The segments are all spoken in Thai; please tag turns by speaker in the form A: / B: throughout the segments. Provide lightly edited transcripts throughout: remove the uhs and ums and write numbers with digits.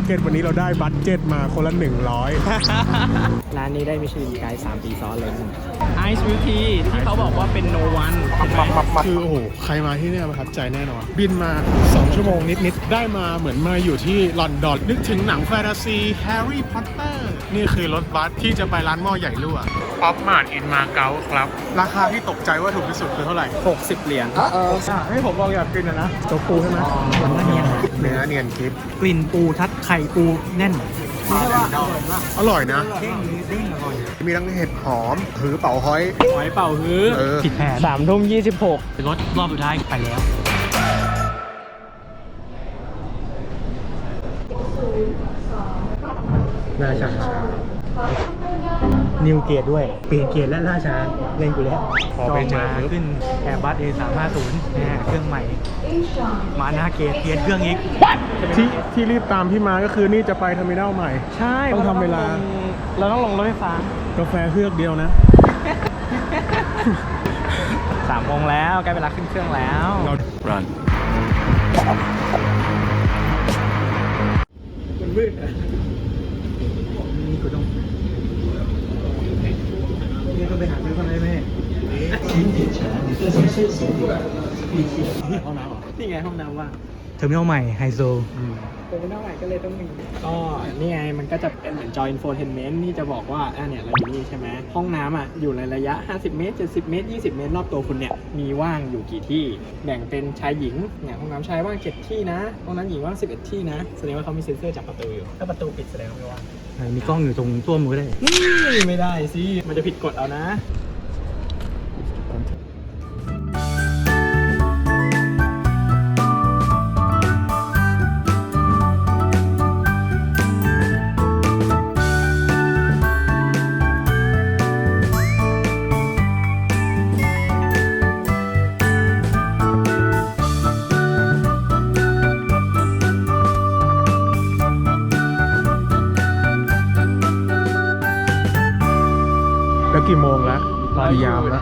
A: เก็ตวันนี้เราได้บัตเจ็ตมาคนละ100
B: ร้านนี้ได้มิชลินไกด์3 ปีซ้อนเลยไอซ์วิวทีที่เขาบอกว่าเป็นโนวัน
A: คือโอ้โหใครมาที่เนี่ยประทับใจแน่นอน บินมา2 ชั่วโมงนิดๆได้มาเหมือนมาอยู่ที่ลอนดอนนึกถึงหนังแฟนตาซีแฮร์รี่พอตเตอร์นี่คือรถบัสที่จะไปร้านหม้อใหญ่รั่วป๊อปมาร์ทอินมาเก๊าครับราคาที่ตกใจว่าถูกที่สุดคือเท่าไหร่
B: 60 เหรียญ
A: ให้ผมลองอยากกินนะโจ๊กปูใช่ไหม
B: เนื้อเนียน
A: เนื้อเนียนคลิป
B: กลิ่นปูทัดไข่ปูแน่น
A: อร่อยนะมีทั้งเห็ดหอมถือเป่าฮ้อย
B: หอยเป่าฮื้อผิดแผน3 ทุ่ม 26รถรอบสุดท้ายไปแล้วราชานิวเกตด้วยเปลี่ยนเกียร์และราชาเล่นกูแล้ว
A: พอไปเจอ
B: ขึ้นแอร์บัส A350 เครื่องใหม่มาหน้าเกตเปลี่ยนเครื่องอีก
A: ที่รีบตามพี่มาก็คือนี่จะไปเทอร์มินัลใหม่
B: ใช่
A: ต้องทำเวลา
B: เราต้องลงรถไฟฟ้าก
A: าแฟเฮือกเดียวนะ
B: 3 โมงแล้วใกล้เวลาขึ้นเครื่องแล้วรันมันมืดอ่ะนี่กูต้องนี่ต้องไปหาซื้อคนได้ไหมห้องน้ำเหรอนี่ไงห้องน้ำว่างเทอร์มินอลใหม่ไฮโซเทอร์มินอลใหม่ก็เลยต้องมีก็นี่ไงมันก็จะเป็นเหมือนจอยอินโฟเทนเมนต์ที่จะบอกว่าเนี่ยเราอยู่นี่ใช่ไหมห้องน้ำอยู่ในระยะ50 เมตร70 เมตร20 เมตรรอบตัวคุณเนี่ยมีว่างอยู่กี่ที่แบ่งเป็นชายหญิงเนี่ยห้องน้ำชายว่าง7 ที่นะห้องน้ำหญิงว่าง11 ที่นะแสดงว่าเขามีเซ็นเซอร์จับประตูอยู่ถ้าประตูปิดแสดงว่าไม่ว่างมีกล้องอยู่ตรงตัวมือได้ไม่ได้สิมันจะผิดกฎเอานะ
A: แล้วกี่โมงแล้วกี่ยามแล้ว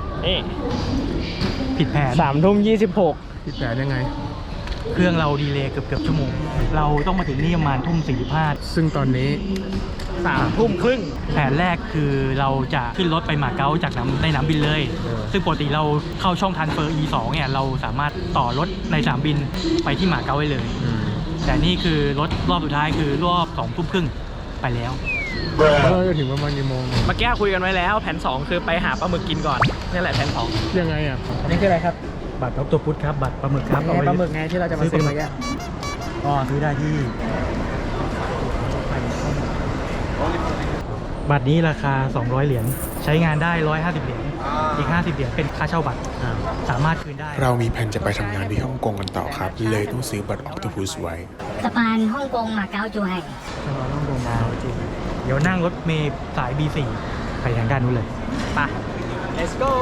B: ผิดแผน3 ทุ่ม 26
A: ผิดแผนยังไง
B: เครื่องเราดีเลย์เกือบชั่วโมงเราต้องมาถึงนี่ประมาณทุ่ม 45
A: ซึ่งตอนนี้
B: 3 ทุ่มครึ่งแผนแรกคือเราจะขึ้นรถไปมาเก๊าจากในสนามบินเลยซึ่งปกติเราเข้าช่องทรานสเฟอร์ E2 เนี่ยเราสามารถต่อรถในสนามบินไปที่มาเก๊าได้เลยแต่นี่คือรถรอบสุดท้ายคือรอบ2 ทุ่มครึ่งไปแล้ว
A: เราจะถึงประมาณกี่โมง
B: เมื่อกี้คุยกันไว้แล้วแผน2คือไปหาปลาหมึกกินก่อนนี่แหละแผน2
A: ยังไงอ่ะ
B: อันนี้คืออะไรครับบัตรออคโตพุสครับบัตรปลาหมึกครับปลาหมึกไงที่เราจะมาซื้อเมื่อกี้ซื้อได้ที่บัตรนี้ราคา200 เหรียญใช้งานได้150 เหรียญอีก50 เหรียญเป็นค่าเช่าบัตรสามารถคืนได้
A: เรามีแผนจะไปทำงานที่ฮ่องกงกันต่อครับเลยต้องซื้อบัตรออคโตพุสไว้
C: สะพานฮ่องกงมาเก๊าจูไห่
B: สะพานฮ่องกงมาเก๊าจูไห่เดี๋ยวนั่งรถเมล์สาย B4 ไปทางด้านนู้นเลยไป let's go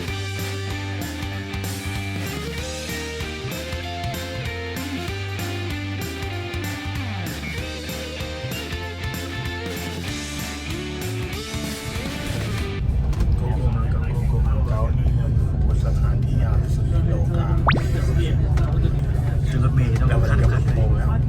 B: คือรถเมล์ต้องขั้นโมงแล้ว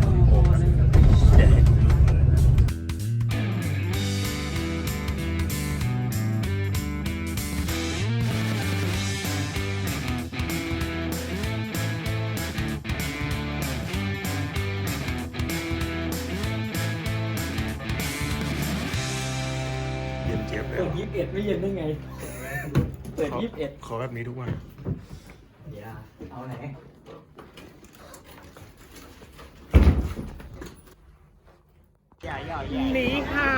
A: เย็นเจี๊ยบเลย
B: เปิด21ไม่เย็นได้ไงเปิด21
A: ขอแบบนี้ทุกวัน
B: เดี๋ยวเอาไหนนี่ค่ะ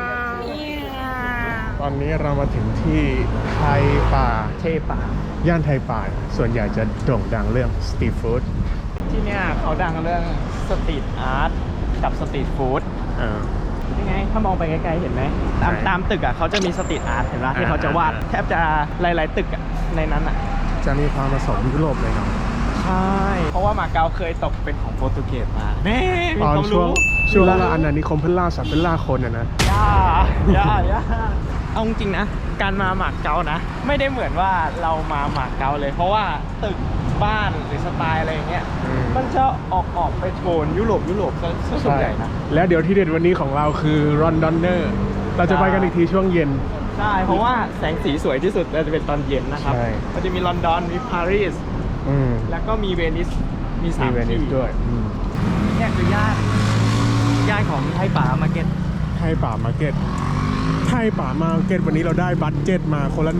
A: ตอนนี้เรามาถึงที่ไทยป่าย่านไทยป่าส่วนใหญ่จะโด่งดังเรื่องสตรีทฟู้ด
B: ที่เนี่ยเขาดังเรื่องสตรีทอาร์ตกับสตรีทฟู้ดยังไงถ้ามองไปไกลๆเห็นไหมตามตึกเขาจะมีสตรีทอาร์ตเห็นไหมที่เขาจะวาดแทบจะหลายๆตึกในนั้น
A: จะมีความผสมยุโรปเลยเนาะ
B: ใช่เพราะว่ามาเก๊าเคยตกเป็นของโปรตุเกสมา
A: ตอนช่วงอาณานิคมเพิ่นล่าสัตว์เพิ่นล่าคนนะ
B: ย่าเอาจริงนะการมาหมากเก๊านะไม่ได้เหมือนว่าเรามาหมากเก๊าเลยเพราะว่าตึกบ้านหรือสไตล์อะไรอย่างเงี้ยมันจะออกไปโทนยุโรปซะส่วนใหญ่นะ
A: แล้วเดี๋ยวที่เด็ดวันนี้ของเราคือรอนดอนเนอร์เราจะไปกันอีกทีช่วงเย็น
B: ใช่เพราะว่าแสงสีสวยที่สุดจะเป็นตอนเย็นนะครับ
A: ใช่
B: มันจะมีลอนดอนมีปารีสแล้วก็มีเวนิสมีสาม
A: เวนิ
B: ที่
A: สด้วย
B: เนี่ยคือย่านของไทยป่ามาร์เก็ต
A: ไทยป่ามาร์เก็ตวันนี้เราได้บัตเจ็ตมาคนละ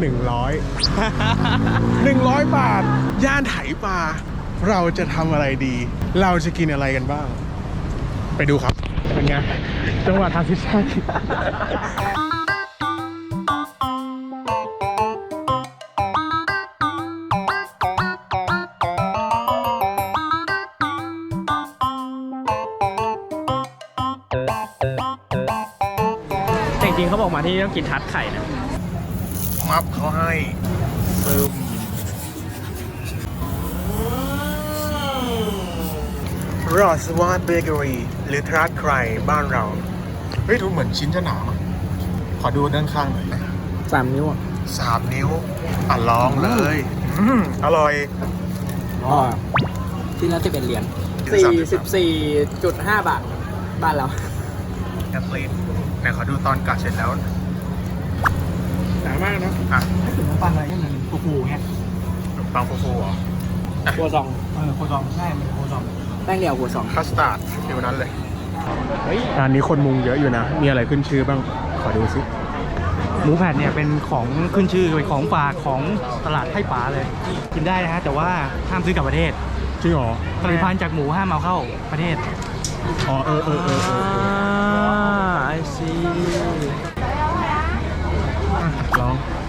A: 100 บาท ย่านไถป่าเราจะทำอะไรดี เราจะกินอะไรกันบ้าง ไปดูครับ เป็นไงจังหวะทางทิศทาง
B: แต่จริงๆเขาบอกมาที่นี่ต้องกินทัดไข่นะ
A: มับเขาให้ซึมรอสวาดเบเกอรี่หรือทรัสไครบ้านเรา เฮ้ยดูเหมือนชิ้นจะหนามั้งขอดูด้านข้างหน่อยนะ
B: 3 นิ้วอ่ะ
A: 3 นิ้วอ่ะลองเลยอร่อย
B: อ๋อที่ละ11 เหรียญ 44.5 บาท บ้านเรา
A: แอปเปิลไหนขอดูตอนกัดเสร็จแล้ว
B: หนามากนะ
A: อ่ะ
B: ถ้าถึงน้ำปังอะไรก็เหมือนฟูๆเงี้ย
A: ขนมปังฟูๆเหรอ
B: ครัวซองครัวซองใช่มันครัวซองแป้งเดียวครัวซอง
A: คัสตาร์ดฟิวนั้นเลย
B: เฮ้ย
A: ร้านนี้คนมุงเยอะอยู่นะ มีอะไรขึ้นชื่อบ้าง ขอดูสิ
D: หมูแผ่นเนี่ยเป็นของขึ้นชื่อเป็นของฝากของตลาดไทยป๋าเลย กินได้นะฮะแต่ว่าห้ามซื้อกลับประเทศ
A: จริงเหรอ
D: ผลิตภัณฑ์จากหมูห้ามเอาเข้าประเทศ
A: อ๋อเออ
B: ไอซี
A: ลอง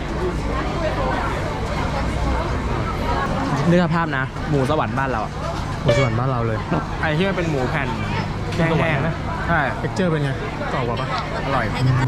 B: นึกสภาพนะ หมูสวรรค์บ้านเราอะ
A: หมูสวรรค์บ้านเราเลย
B: ไอที่มันเป็นหมูแผ่นแห้งๆนะใช่
A: เท็กเจอร์เป็นไงกรอบกว่าปะอร่อย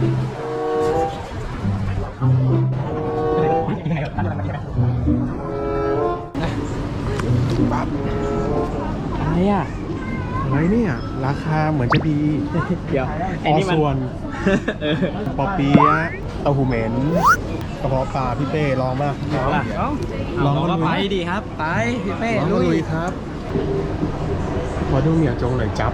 A: ปั๊บ
B: อะไรอ่ะ
A: อะไรเนี่ย ราคาเหมือนจะดี
B: เดี๋ยว
A: ออส่วน ปอเปี๊ยะเต้าหู้เหม็นกระเพาะปลาพี่เป้ลองป่ะ
D: ลองก็ไปดีครับ ไปพี่เป้
A: ลองลุยครับขอดูเหมียวจงหน่อยจับ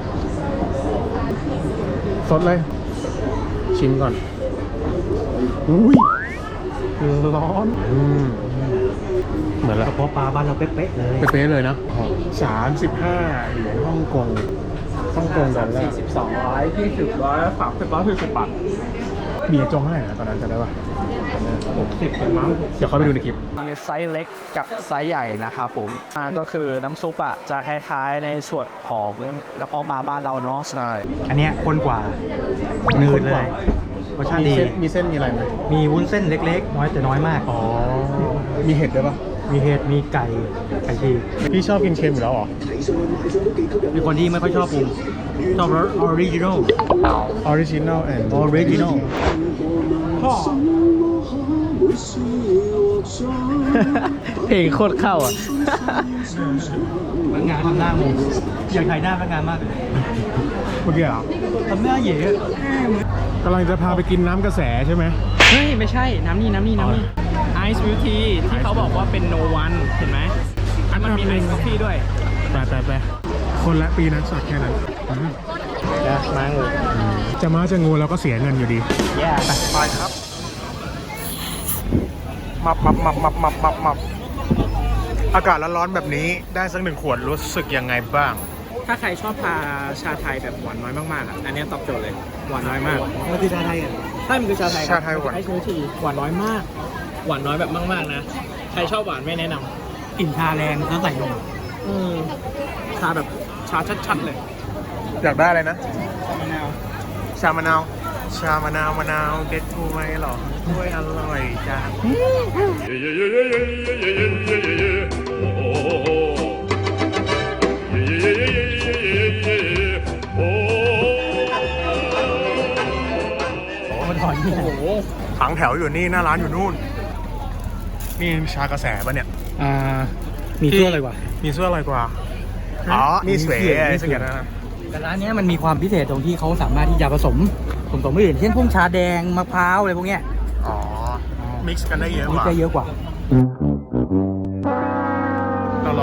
A: สดเลย ชิมก่อน อุ้ยร้อนเหมือนแล้ว
D: กระเพาะปลาบ้านเราเป๊ะๆเลย
A: เป๊ะๆเลยนะ35 เหรียญฮ่องกงดอลลาร์
B: 40 บาท
A: เบียร์จงเท่าไหร่นะตอนนั้นจะได้ป่ะ
B: 60เป็นมั้ง
A: เดี๋ยวเข้าไปดูในคลิป
D: มีไซส์เล็กกับไซส์ใหญ่นะครับผมก็คือน้ำซุปอ่ะจะคล้ายๆในส่วนของกระเพาะปลาบ้านเราเนาะใช่อันเนี้ยข้นกว่านืดเลยรสชาติดี
A: มีเส้นมีอะไรไหม
D: มีวุ้นเส้นเล็กๆ น้อยแต่น้อยมาก
A: อ๋อ มีเห็ดด้วยป่ะ
D: มีเห็ดมีไก่ฉีก
A: พี่ชอบกินเค็มอยู่แล้วเหรอ
D: มีคนที่ไม่ค่อยชอบปรุงชอบรสออริจินอล
A: Original and
D: Original
B: เพลงโคตรเข้าอ่ะ
D: พนักงานทำหน้างงอยากถ่ายหน้าพนักงานมากเลย
A: เมื่อกี้เหรอ
D: ทำหน้าเหย่
A: กำลังจะพาไปกินน้ำกระแสใช่ไหม
B: เฮ้ย ไม่ใช่ น้ำนี่ไอซ์วิวทีที่เขาบอกว่าเป็นโนวันเห็นไหมอันมันมีไอซ์คอฟฟี่ด้วย
A: ไปคนละปีนั้นสดแค่นั้น
B: นะมางู
A: จะมาจะงูเราก็เสียเงินอยู่ดี
B: แย่
A: ไปครับมับอากาศร้อนๆแบบนี้ได้สัก1 ขวดรู้สึกยังไงบ้าง
B: ถ้าใครชอบทาชาไทยแบบหวานน้อยมากๆอ่ะ อันนี้ตอบโจทย์เลย หวานน้อยมาก
D: มันคือชาไทยอ่ะ
B: ใช่มันคือชาไทย
A: ชาไทยหวาน
B: ไอซ์วิวทีหวานน้อยมาก หวานน้อยแบบมากๆนะ ใครชอบหวานไม่แนะน
D: กลิ่นชาแรงแล้วใส่นม
B: ำชาแบบชาชัดๆเลย
A: อยากได้อะไรนะ
B: มะนาว
A: ชามะนาวเด็ดกูไหมหรอด้วยอร่อยจ้าถังแถวอยู่นี่หน้าร้านอยู่นู่น นี่ชากระแสปะเนี่ย
D: มีเสื้ออะไรวะ
A: มีเสื้ออะไรกว่า อ๋อ นี่สวยอะไรสักอย่างนะ
D: แต่ร้านเนี้ยมันมีความพิเศษตรงที่เขาสามารถที่จะผสมไม่อื่นเช่นพวกชาแดงมะพร้าวอะไรพวกเนี้ย
A: อ๋อ มิกซ์กันได้เยอะก
D: นี่
A: ว่า
D: จะเยอะกว่า
A: เราลองอะไรไป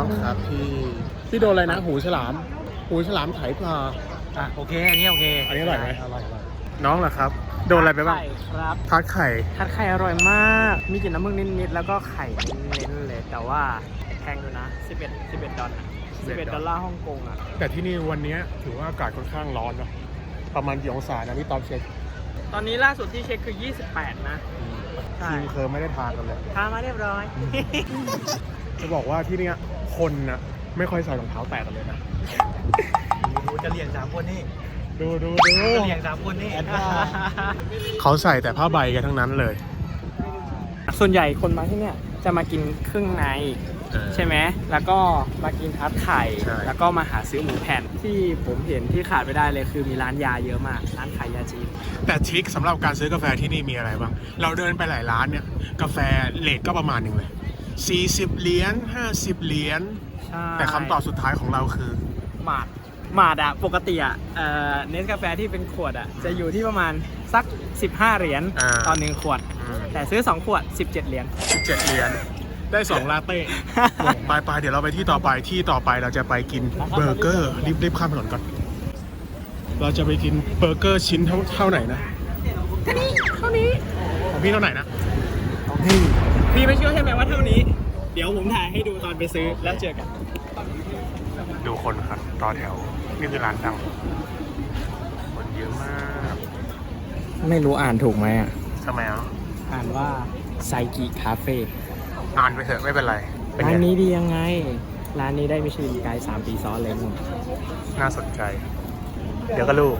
A: ครับพี่โดนอะไรนะหูฉลามไถปลา
D: โอเค อันนี้โอเค
A: อันนี้อร่อยไหม
D: อร่อย
A: น้องเหรอครับ โดนอะไรไปบ้าง
B: ไข่ครับ
A: ทาร์ตไข่
B: ทัดไข่อร่อยมาก มีกลิ่นน้ำมึกนิดๆแล้วก็ไข่เน้นๆเลย แต่ว่าแพงอยู่นะ11 ดอลลาร์11 ดอลลาร์ฮ่องกงอ่ะ
A: แต่ที่นี่วันนี้ถือว่าอากาศค่อนข้างร้อนเนาะประมาณกี่องศานะพี่ต๊อบเช็ค
B: ตอนนี้ล่าสุดที่เช็คคือ 28 นะ ใช่
A: ทีมเคยไม่ได้ทานกันเลย
B: ทามาเรียบร้อย
A: จะบอกว่าที่เนี้ยคนนะไม่ค่อยใส่รองเท้าแตะกันเลยนะ
D: ดูจะเลี้ยง3 คนนี่
A: ดู
D: จะเลี้ยง3 คนนี่
A: เขาใส่แต่ผ้าใบกันทั้งนั้นเลย
B: ส่วนใหญ่คนมาที่เนี่ยจะมากินเครื่องในใช่ไหม แล้วก็มากินทัดไข่
A: ใช่
B: แล้วก็มาหาซื้อหมูแผ่นที่ผมเห็นที่ขาดไม่ได้เลยคือมีร้านยาเยอะมาก ร้านขายยาจีน
A: แต่ทริคสำหรับการซื้อกาแฟที่นี่มีอะไรบ้าง เราเดินไปหลายร้านเนี่ยกาแฟเรทก็ประมาณหนึ่งเลย40 เหรียญ50 เหรียญ
B: ใช่
A: แต่คำตอบสุดท้ายของเราคือ
B: หมาดอะปกติอะเนสกาแฟที่เป็นขวดอะจะอยู่ที่ประมาณสัก15 เหรียญ
A: อ่า
B: ต่อ1ขวด แต่ซื้อ2ขวด17 เหรียญ
A: 17 เหรียญได้2ลาเต้ ไปเดี๋ยวเราไปที่ต่อไปเราจะไปกินเบอร์เกอร์รีบข้ามถนนก่อน เราจะไปกินเบอร์เกอร์ชิ้นเท่าไหนนะเท่านี้ของพี่เท่าไหร่นะของพี่
B: พี่ไม่เชื่อใช่ไหมว่าเท่านี้ เดี๋ยวผมถ่ายให้ดูตอนไปซื้อแล้วเจอกัน
A: ดูคนครับต่อแถวนี่คือร้านดังคนเยอะมาก
B: ไม่รู้อ่านถูกไหมอ่ะ
A: ทำไมอ่ะ
B: อ่านว่าไซกิคาเฟ่
A: อ่านไปเถอะไม่เป็นไรเป็น
B: ร้า
A: ไง
B: นนี้ดียังไง ร้านนี้ได้มิชลินไกด์3 ปีซ้อนเลยมึง
A: น่าสนใจ เดี๋ยวก็รู้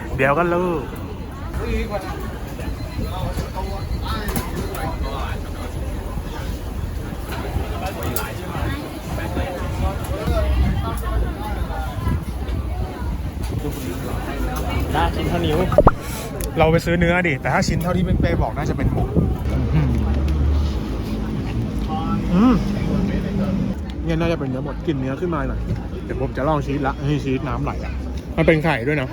B: ได้ชิ้นเท่านิ้ว
A: เราไปซื้อเนื้อดิ แต่ถ้าชิ้นเท่าที่เป้บอกน่าจะเป็นหมูเนี่ยน่าจะเป็นเนื้อหมดกลิ่นเนื้อขึ้นมาหน่อย เดี๋ยวผมจะลองชีสละให้ชีสน้ำไหลอ่ะ มันเป็นไข่ด้วยนะ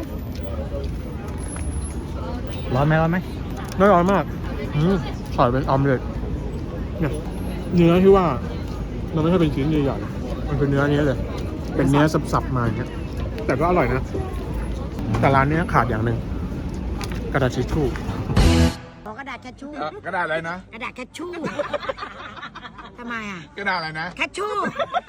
D: ร้อนไหม
A: ไม่ร้อนมากใส่เป็นออมเล็ตเนี่ยเนื้อที่ว่ามันไม่ใช่เป็นชิ้นใหญ่ๆมันเป็นเนื้อนี้เลย เป็นเนื้อสับๆมาอย่างเงี้ย แต่ก็อร่อยนะ แต่ร้านนี้ขาดอย่างหนึ่งกระดาษทิชชู่
E: ขอกระดาษทิชชู่
A: กระดาษอะไรนะ
E: กระดาษทิชชู่ ทำไมอ่ะ
A: กระดาษอะไรนะ
E: ทิชชู่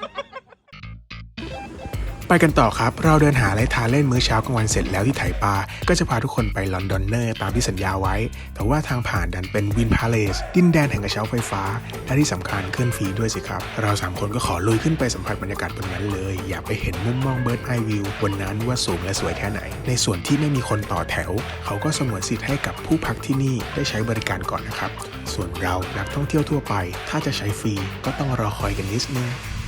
A: ไปกันต่อครับ เราเดินหาอะไรทานเล่นมื้อเช้ากลางวันเสร็จแล้วที่ไถปาก็จะพาทุกคนไปลอนดอนเนอร์ตามที่สัญญาไว้ แต่ว่าทางผ่านดันเป็นวินพาเลสดินแดนแห่งกระเช้าไฟฟ้า และที่สำคัญขึ้นฟรีด้วยสิครับ เรา3คนก็ขอลุยขึ้นไปสัมผัสบรรยากาศบนนั้นเลย อยากไปเห็นมุมมองเบิร์ดไอวิวบนนั้นว่าสูงและสวยแค่ไหน ในส่วนที่ไม่มีคนต่อแถว เขาก็สงวนสิทธิ์ให้กับผู้พักที่นี่ได้ใช้บริการก่อนนะครับส่วนเรานักท่องเที่ยวทั่วไปถ้าจะใช้ฟรีก็ต้องรอคอยกันนิดนึง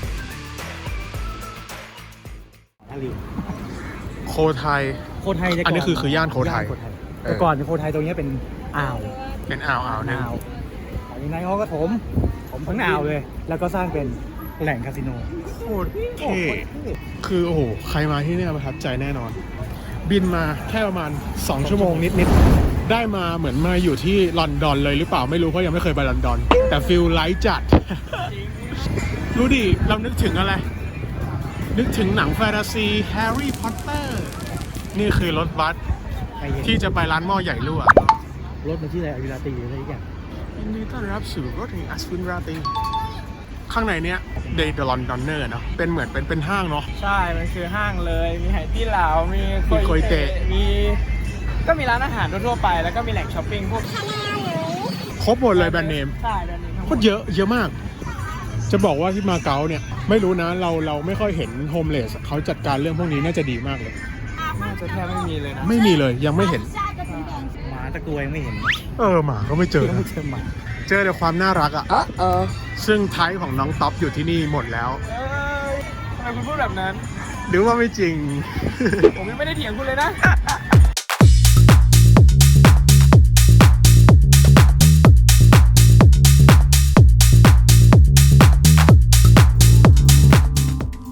A: โคไทย
D: โคไทย
A: อันนี้คือย่านโคไทย
D: แต่ก่อนโคไทยตรงนี้เป็นอ่าว
A: เป็นอ่าวหนึง
D: จากนั้นเขาก็ถมทั้งอ่าวเลย แล้วก็สร้างเป็นแหล่งคาสิโน
A: โคตรเท่คือโอ้โหใครมาที่เนี่ยประทับใจแน่นอน บินมาแค่ประมาณ2 ชั่วโมงนิดๆได้มาเหมือนมาอยู่ที่ลอนดอนเลยหรือเปล่าไม่รู้เพราะยังไม่เคยไปลอนดอน แต่ฟิลไลท์จัด รู้ดิเรานึกถึงอะไร นึกถึงหนังแฟนตาซีแฮร์รี่พอตเตอร์นี่คือรถบัสที่จะไปร้านหม้อใหญ่รั่ว
D: รถมันชื่ออะไรอวิราตีอะไรอย่าง
A: ยินดีต้อนรับสู่รถแห่งอัศวินราตรีข้างในเนี้ยเดย์ลอนดอนเนอร์เนาะเป็นเหมือนเป็นห้างเนาะ
B: ใช่ มันคือห้างเลย มีไหตี้เหลามี
A: โคยเตะ
B: ก็มีร้านอาหารทั่วๆไป แล้วก็มีแหล่งช้อปปิ้งพวก
A: ครบหมดเลยแบรนด์เนม
B: ใช่แบรนด์เนมทั้งห
A: โค
B: มด
A: ตรเยอะมาก จะบอกว่าที่มาเก๊าเนี่ยไม่รู้นะเราไม่ค่อยเห็นโฮมเลสเขาจัดการเรื่องพวกนี้น่าจะดีมากเลย
B: น่าจะแทบไม่มีเลยนะ
A: ไม่มีเลยยังไม่เห็น
D: หมาตะกรวยไม่เห็น
A: หมาก็ไม่เจอ
D: ไม่เจอหมา
A: เจอแต่ความน่ารักอ่ะซึ่งไทป์ของน้องท็อปอยู่ที่นี่หมดแล้ว
B: เอ้ยทำไมคุณพูดแบบนั้น
A: หรือว่าไม่จริง
B: ผมยังไม่ได้เถียงคุณเลยนะ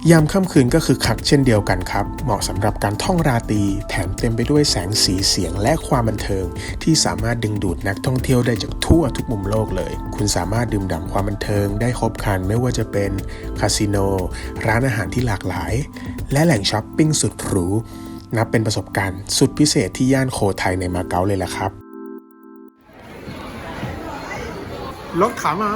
A: ยามค่ำคืนก็คือคักเช่นเดียวกันครับเหมาะสำหรับการท่องราตรีแถมเต็มไปด้วยแสงสีเสียงและความบันเทิงที่สามารถดึงดูดนักท่องเที่ยวได้จากทั่วทุกมุมโลกเลยคุณสามารถดื่มด่ำความบันเทิงได้ครบครันไม่ว่าจะเป็นคาสิโนร้านอาหารที่หลากหลายและแหล่งช้อปปิ้งสุดหรูนับเป็นประสบการณ์สุดพิเศษที่ย่านโคไทยในมาเก๊าเลยล่ะครับรถขามา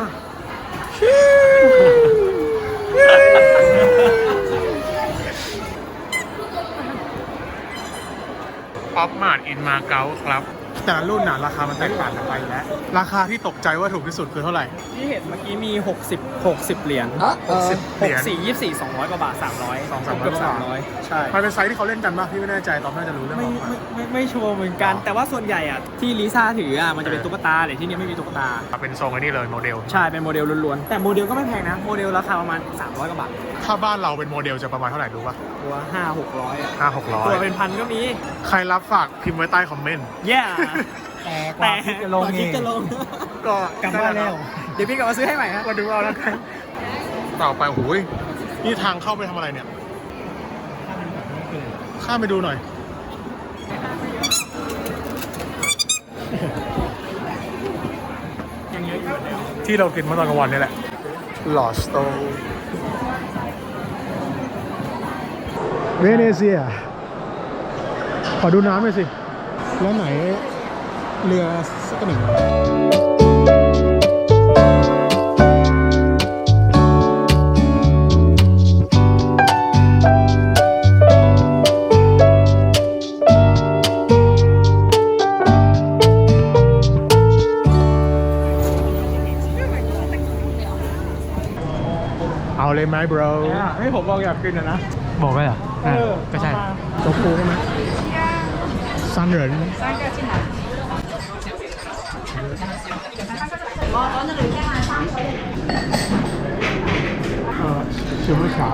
A: ป๊อปมาร์ทอินมาเก๊าครับแต่ละรุ่นน่ะราคามันแตกต่างกันไปแล้วราคาที่ตกใจว่าถูกที่สุดคือเท่าไหร่
B: ที่เห็นเมื่อกี้มี60เหรียญ
A: 60 เหรียญ
B: 64 24 200กว่าบาท300
A: 200-300
B: เกือบ300ใช่
A: มันเป็นไซส์ที่เขาเล่นกันป่ะพี่ไม่แน่ใจตอนน่าจะรู้เรื่อง
B: ไม่ชัวร์เหมือนกัน แต่ว่าส่วนใหญ่อะที่ลิซ่าถืออะมันจะเป็นตุ๊กตาแต่ที่นี่ไม่มีตุ๊กตา
A: เป็นทรงไอ้นี่เลยโมเดล
B: ใช่เป็นโมเดลล้วนๆแต่โมเดลก็ไม่แพงนะโมเดลราคาประมาณ300กว่าบาท
A: ถ้าบ้านเราเป็นโมเดลจะประมาณเท่าไหร่รู้ป่ะ
B: ตัว5-600อะ
A: 500-600
B: ตัวเป็นพันก็มี
A: ใครรับฝากพิมพ์ไว้ใต้คอมเมนต์
B: yeah
D: แต่กว่าที่จะลง
B: กว่า
D: เอ
B: ที่
D: ง
B: จะลง
A: ก็
D: กลับบ้านแล้ว
B: เดี๋ยวพี่กลับมาซื้อให้ใหม่ฮะ
A: มาดูเอาแล้วกันต่อไปโอ้ยนี่ทางเข้าไปทำอะไรเนี่ยข้ามไปดูหน่อยที่เรากินเมื่อตอนกลางวันนี่แหละลอสโตเวเนเซียขอดูน้ำหน่อยสิแล้วไหนเรือสักหนึ่งเอาเลยไหม bro
B: ให้ผมบอกอยากกินนะ
D: บอกได้เหรอก็ใช่
A: โจ๊กปูใช่ไหมซันเหรินชื่อว่าชา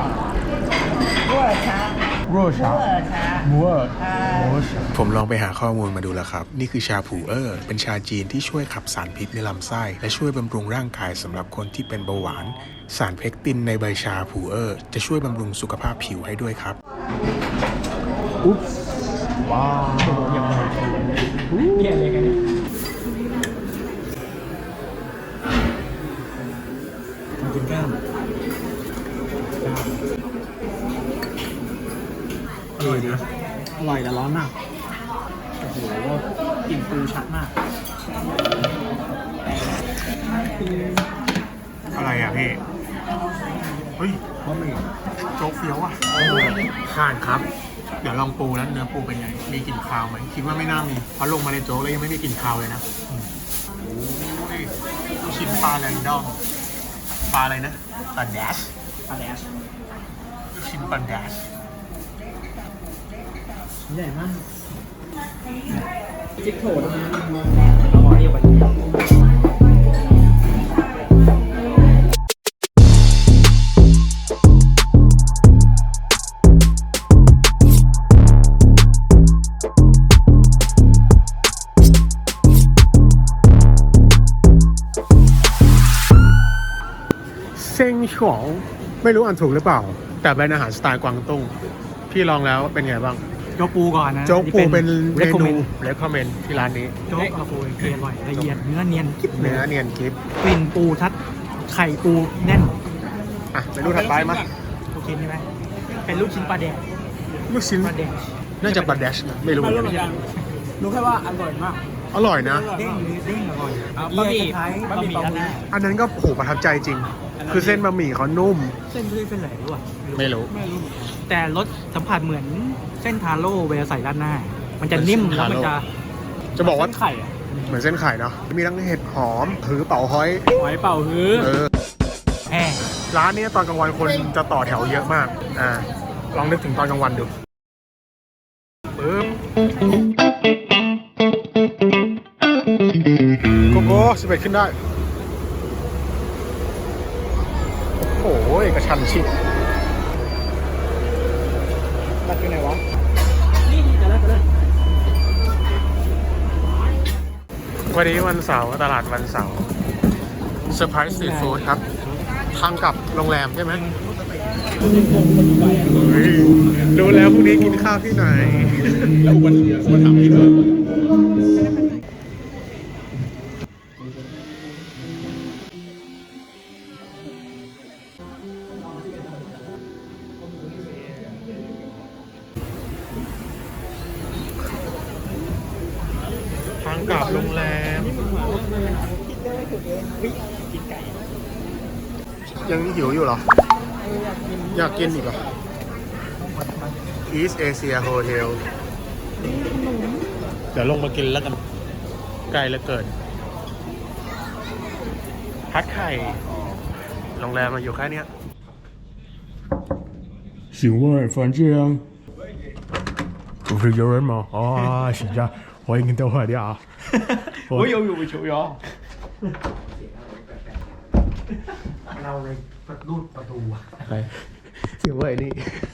A: ผมลองไปหาข้อมูลมาดูแล้วครับนี่คือชาผูเป็นชาจีนที่ช่วยขับสารพิษในลำไส้และช่วยบำรุงร่างกายสำหรับคนที่เป็นเบาหวานสารเพกตินในใบชาผูจะช่วยบำรุงสุขภาพผิวให้ด้วยครับอุ๊บว้าว
B: เนี่ยเลยกันเนี่ยกินก้ามอร่อยนะอร่อยแต่ร้อนมากโอ้โหกลิ่นปูชัดมาก
A: อะไรอ่ะพี่เฮ้ยโจ๊กเฟี้ยวอ่ะผ่านครับเดี๋ยวลองปูแล้วเนื้อปูเป็นไงมีกลิ่นคาวไหมคิดว่าไม่น่ามีเพราะลงมาในโจ๊กแล้วยังไม่มีกลิ่นคาวเลยนะโอ้ยชิ้นปลาแรนดอมปลาอะไรนะปลาแดช
B: ปลาแดช
A: ชิ้นปลาแดช
B: ใหญ่มากจิ๊กโถดเอาหม้อนี้ไป
A: เซ็งฉวงไม่รู้อ่านถูกหรือเปล่าแต่เป็นอาหารสไตล์กวางตุ้งพี่ลองแล้วเป็นไงบ้าง
D: โจ๊กปูก่อนนะ
A: โจ๊กปูเป็นเมนู
D: recommend
A: เรคคอมเมนต์ที่ร้านนี้
D: โจ๊กกระปูเกลียอร่อยละเอียดเนื้อเนียนกิ๊บ
A: เนื้อเนียนกริบ
D: กลิ่นปูชัดไข่ปูแน่น
A: อ่ะเมนูถัดไปมา
D: โอเคใช่ไหมเป็นลูกชิ้นปลาแดก
A: ลูกชิ้น
D: ปลาแดก
A: น่าจะปลาแดชนะไม่รู้เหมือนกัน
B: รู้แค่ว่าอร่อยมาก
A: อร่อยนะ
D: เด้งเด้งอร่อย
B: บะหมี่
D: คล้ายๆบะหมี่ด้านหน้า
A: อันนั้นก็โหประทับใจจริง คือเส้นบะหมี่เขานุ่ม
D: เส้นด้วยเส้นไหนรู้ป่ะ
A: ไม่รู้
D: แต่รสสัมผัสเหมือนเส้นทาโร่เวลาใส่ด้านหน้า มันจะนิ่มแล้วมันจะ
A: จะบอกว่า
B: เส้นไข่อะ
A: เหมือนเส้นไข่เนาะมีทั้งเห็ดหอมถือเป่าฮ้อย
B: หอยเป่าฮื้อ
D: แห่
A: ร้านนี้ตอนกลางวันคนจะต่อแถวเยอะมากลองนึกถึงตอนกลางวันดูปึ๊บโกโก้11ขึ้นได้โอ้ยกระชันชิด
B: ตัดอยู่ไหนวะนี่จะเลิก
A: วันนี้วันเสาร์ตลาดวันเสาร์เซอร์ไพรส์สตรีทฟู้ดครับทางกลับโรงแรมใช่ไหมรู้แล้วพรุ่งนี้กินข้าวที่ไหน แล้ววันทำที่ไหนทางกลับโรงแรม ยังหิวอยู่เหรอ อยากกินอีกเหรอ East Asia Hotel เดี๋ยวลงมากินแล้วกัน ไกลเหลือเกินพัดไข่ โรงแรมมาอยู่แค่เนี้ย请问房间不是有人吗？啊，是的，欢迎到我的啊。
D: 我有球友เราเลยรูดประตู
A: ใครเสียงเว่ยนี่